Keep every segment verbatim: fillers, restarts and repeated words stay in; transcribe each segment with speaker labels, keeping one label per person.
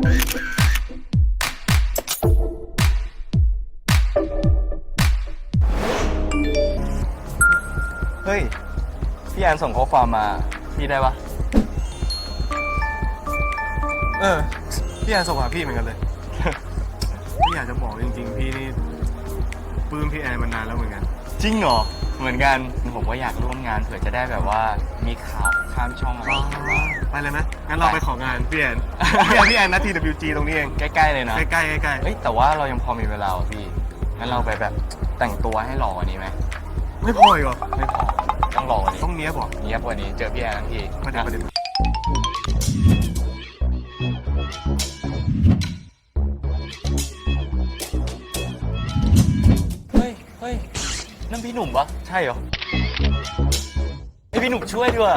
Speaker 1: เฮ้ยพี่แอนส่งข้อความมาพี่ได้ปะ
Speaker 2: เออพี่แอนส่งหาพี่เหมือนกันเลย พี่อยากจะบอกจริงๆพี่นี่ปลื้มพี่แอนมานานแล้วเหมือนกัน
Speaker 1: จริงเหรอเหมือนกันผมก็อยากร่วมงานเผื่อจะได้แบบว่ามีข่าวข้ามช่องอะไรอย่างเงี้ยบ้าง
Speaker 2: ไปเลยไหมงั้นเราไปของานพี่แอน พี่แอนพี่แอนนะ ที ดับเบิลยู จี ตรงนี้เอง
Speaker 1: ใกล้ๆเลยนะ
Speaker 2: ใกล้ๆใกล้ๆ
Speaker 1: เฮ้ยแต่ว่าเรายังพอมีเวลาว่ะพี่งั้นเราไปแบบแต่งตัวให้หล่อกว่านี้ไหม
Speaker 2: ไม่พออีกเหรอ
Speaker 1: ไม่พอต้องหล่อกว่านี้
Speaker 2: ต้องเนี้ยบอก
Speaker 1: เนี้ยบกว่านี้เจอพี่แอนทั้งที
Speaker 2: ประเดี๋ยวประเดี๋ยว
Speaker 1: เฮ้ยเฮ้ยนั่นพี่หนุ่มปะใช่เหรอไอยพี่หนุ่มช่วยด้วย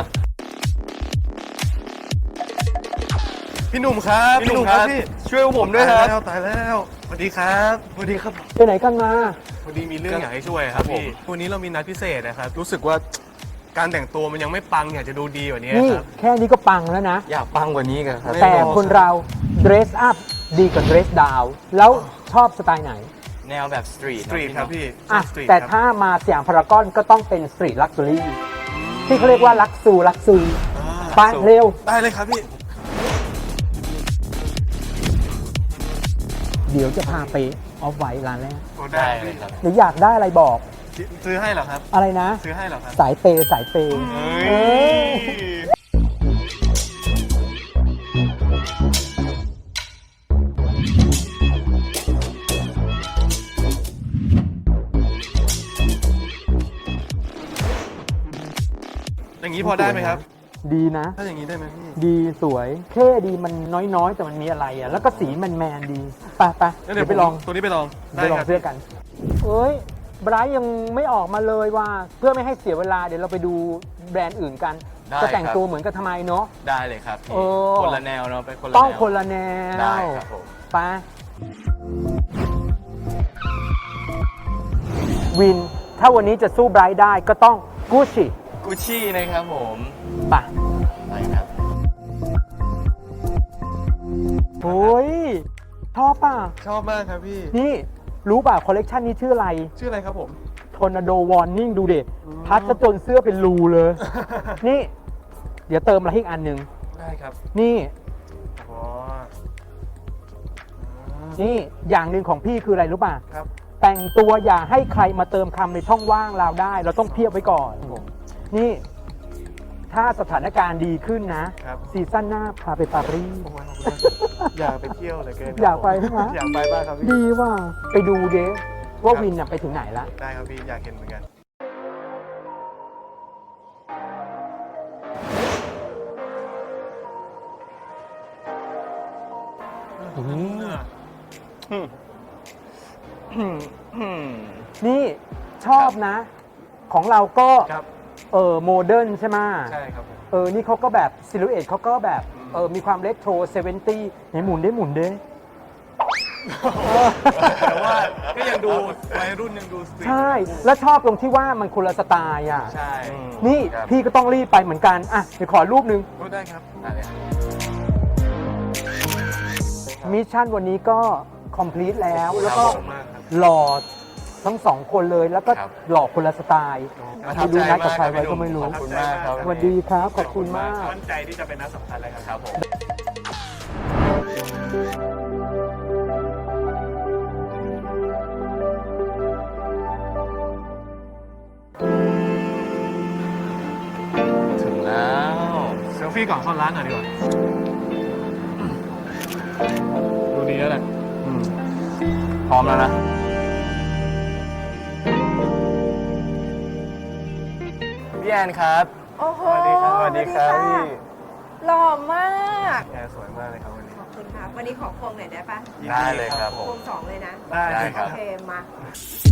Speaker 2: พี่หนุ่มครับ
Speaker 1: พี่หนุ่มครับ
Speaker 2: พี่
Speaker 1: ช่วยผมด้วยครับ
Speaker 2: ตายแล้วตายแล้วสวัสดีครับสวัสดีครับ
Speaker 3: ไปไหนกันมา
Speaker 2: วันนี้มีเรื่องอยากให้ช่วยครับ
Speaker 1: ครับผม
Speaker 2: พี่วันนี้เรามีนัดพิเศษนะครับรู้สึกว่าการแต่งตัวมันยังไม่ปังอยากจะดูดีกว่านี้
Speaker 3: นี่
Speaker 2: ครับ
Speaker 3: แค่นี้ก็ปังแล้วนะ
Speaker 1: อยากปังกว่านี้กันครับ
Speaker 2: ไม่
Speaker 3: แต่
Speaker 2: บอก
Speaker 3: คนเรา dress up ดีกว่า dress down แล้วชอบสไตล์ไหน
Speaker 1: แนวแบบสตรีท
Speaker 2: สตรีทครับพี่
Speaker 3: อ่ะ
Speaker 2: สตรีท
Speaker 3: แต่
Speaker 2: ครับ
Speaker 3: ถ้ามาสยามพารากอนก็ต้องเป็นสตรีทลักซ์รี่ที่เขาเรียกว่าลักซูลักซู
Speaker 2: อ่า
Speaker 3: ไปเร็ว
Speaker 2: ได้เลยครับพี่
Speaker 3: เดี๋ยวจะพาไปออฟไวท์ร้านแรก
Speaker 2: โอ้ได้
Speaker 1: ได้
Speaker 2: ครับ
Speaker 1: เลย
Speaker 2: พี่
Speaker 1: ครับ
Speaker 3: หรืออยากได้อะไรบอก
Speaker 2: ซื้อให้เหรอครับ
Speaker 3: อะไรนะ
Speaker 2: ซื้อให้เหรอครับ
Speaker 3: สายเปย์สายเปย์
Speaker 2: เฮ้
Speaker 3: เอ้
Speaker 2: ย
Speaker 3: ย
Speaker 2: อย่างนี้พอได้ไหมครับ
Speaker 3: ดีนะ
Speaker 2: ถ้าอย่างนี้ได้ไหมพี่
Speaker 3: ดีสวยเท่ดีมันน้อยๆ แต่มันมีอะไรอ่ะ แล้วก็สีแมนๆดีไปไป
Speaker 2: งั้น
Speaker 3: เดี๋
Speaker 2: เดี๋
Speaker 3: ย
Speaker 2: ยว ว
Speaker 3: ไปลอง
Speaker 2: ตัวนี้ไปลอง
Speaker 3: ไปลอง
Speaker 2: ครับ
Speaker 3: เสื้อกัน เอ้ยไบรท์ยังไม่ออกมาเลยว่าเพื่อไม่ให้เสียเวลาเดี๋ยวเราไปดูแบรนด์อื่นกัน
Speaker 1: ได้
Speaker 3: จะแต่ง
Speaker 1: ครับ
Speaker 3: ตัวเหมือนกันทำไมเนาะ
Speaker 1: ได้เลยครับพี่
Speaker 3: เออ
Speaker 1: คนละแนวเนาะเป็นคนละ
Speaker 3: ต้อง
Speaker 1: แนว
Speaker 3: คนละแนว
Speaker 1: ได้ครับผม
Speaker 3: ไปวิน ถ้าวันนี้จะสู้ไบรท์ได้ก็ต้องกูชิ
Speaker 1: กุชชี่นะครับผม
Speaker 3: ไป
Speaker 1: ไปครับ
Speaker 3: โอ้ยชอบป่ะ
Speaker 2: ชอบมากครับพี่
Speaker 3: นี่รู้ป่ะ คอลเลกชันนี้ชื่ออะไร
Speaker 2: ชื่ออะไรครับผม
Speaker 3: ทอร์นาโดวอร์นิ่งดูเด็พัดซะจนเสื้อเป็นรูเลย นี่ เดี๋ยวเติมอะไรให้อีกอันหนึ่ง
Speaker 2: ได้ครับ
Speaker 3: นี่
Speaker 2: อ๋อ
Speaker 3: นี่อย่างหนึ่งของพี่คืออะไรรู้ป่ะ
Speaker 2: ครับ
Speaker 3: แต่งตัวอย่าให้ใครมาเติมคำในช่องว่างเราได้ เราต้องเพียบไว้ก่อน นี่ ถ้าสถานการณ์ดีขึ้นนะครับ ซีซั่นหน้าพาไปปารีส
Speaker 2: โอ้ยขอบคุณมากอยากไปเที่ยวเหลยเกิน
Speaker 3: อยากไปใช่ไหม
Speaker 2: อยากไปมากครับพี่
Speaker 3: ดีว่าไปดูเด้ว่าวินน่ะไปถึงไหนละ
Speaker 2: ได้ครับพี่อยากเห็นเหมือนกัน
Speaker 3: นี่ชอบนะ ของเราก็
Speaker 2: ครับ
Speaker 3: เออโมเดิร์นใช่ไหม
Speaker 2: ใช่ครับผม
Speaker 3: เออ นี่เขาก็แบบซิลูเอตเขาก็แบบเออมีความเล็กโทรเซเวนตี้ไหนหมุนได้หมุนได้
Speaker 2: แต่ว่าก็ยังดูวัยรุ่นยังดูสตรีท
Speaker 3: ใช่ แล้วชอบตรงที่ว่ามันคนละสไตล์อ่ะ
Speaker 2: ใช่
Speaker 3: นี่
Speaker 1: ครับ
Speaker 3: พี่ก็ต้องรีบไปเหมือนกัน อ่ะ เดี๋ยวขอรูปหนึ่ง
Speaker 2: ก็ได้ครับ
Speaker 1: ได้เลยครับ
Speaker 3: มิชชั่นวันนี้ก็คอมพลีทแล้ว แล้วก็
Speaker 1: ครับผม
Speaker 2: มากครับ
Speaker 3: หล่อทั้งสองคนเลย แล้วก็
Speaker 1: ครับ
Speaker 3: หล่อคนละสไตล์
Speaker 1: ประทับ
Speaker 3: ดู
Speaker 1: ใจ
Speaker 3: นัดกับ
Speaker 1: มาก
Speaker 3: ใคร
Speaker 1: ครับ
Speaker 3: ไว้
Speaker 1: พี่ห
Speaker 3: ก็
Speaker 1: นุ่ม
Speaker 3: ไม่รู้
Speaker 1: ขอบคุณมากครับ
Speaker 3: สวัสดีครับ ขอบคุณมาก
Speaker 2: มั่นใจที่จะเป็นนัดสำคัญเลยครับ
Speaker 1: ครับผม ถึงแล้ว
Speaker 2: เซลฟี่ก่อนเข้าร้านหน่อยดีกว่า ดูดีแล้วแหละ
Speaker 1: อืมพร้อมแล้วนะ พี่แอนครับ
Speaker 4: โอ้โห
Speaker 2: สวัสดีครับ
Speaker 1: สวัสดีครับพี่
Speaker 4: หล่อมาก
Speaker 2: แอร์สวยมากเลยครับวันนี้
Speaker 4: ขอบคุณค่ะ วันนี้ขอพวงหน่อยได้ปะ
Speaker 1: ได้เลยครับผ
Speaker 4: พ
Speaker 1: ม
Speaker 4: วงสองเลยนะ
Speaker 2: ได้
Speaker 1: ได้ครับ
Speaker 4: โอเคมา